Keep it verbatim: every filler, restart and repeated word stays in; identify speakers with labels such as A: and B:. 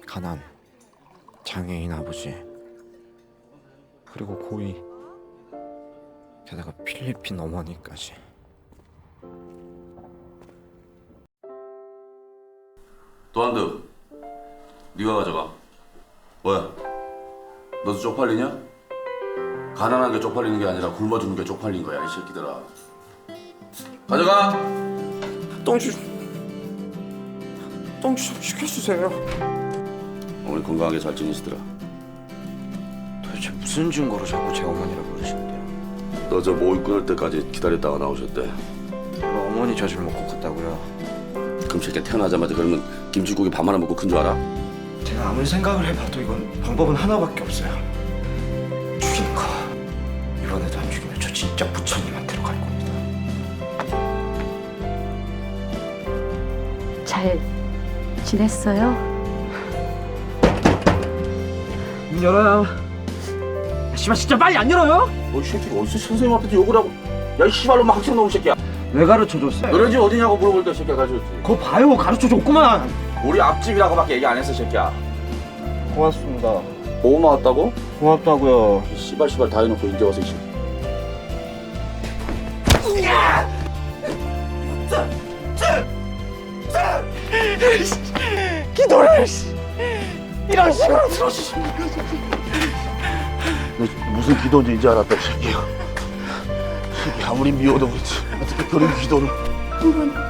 A: 가난, 장애인 아버지, 그리고 고이, 게다가 필리핀 어머니까지.
B: 도안드, 네가 가져가. 뭐야? 너도 쪽팔리냐? 가난한 게 쪽팔리는 게 아니라 굶어 죽는 게 쪽팔린 거야, 이 새끼들아. 가져가.
A: 똥주, 똥주 좀 시켜주세요.
B: 어머니 건강하게 잘 지내시더라.
A: 도대체 무슨 증거로 자꾸 제 어머니라 부르시는데요?
B: 너 저 모의 끊을 때까지 기다렸다가 나오셨대.
A: 뭐 어머니 젖을 먹고 컸다고요?
B: 그럼 새끼 태어나자마자 그러면 김치국에 밥 하나 먹고 큰 줄 알아?
A: 제가 아무리 생각을 해봐도 이건 방법은 하나밖에 없어요. 죽이는 거. 이번에도 안 죽이면 저 진짜 부처님한테로 갈 겁니다.
C: 잘 지냈어요?
D: 문 열어요. 씨발 진짜 빨리 안 열어요?
B: 너이 새끼가 어디서 선생님 앞에서 욕을 하고. 야 이 씨발로 막 학생 놈의 새끼야.
D: 왜 가르쳐줬어?
B: 너네 집 어디냐고 물어볼 때 새끼가 가르쳐줬지.
D: 그거 봐요, 가르쳐줬구만.
B: 우리 앞집이라고밖에 얘기 안 했어 새끼야.
D: 고맙습니다.
B: 보험 나왔다고?
D: 고맙다고요.
B: 이 씨발 씨발 다 해놓고 이제 와서 이 새끼.
D: 기도를 이런 식으로 들어주시면
B: 무슨 기도인지 이제 알았다 이 새끼야. 이 새끼 아무리 미워도 그렇지 어떻게 그런 기도를.
C: 한번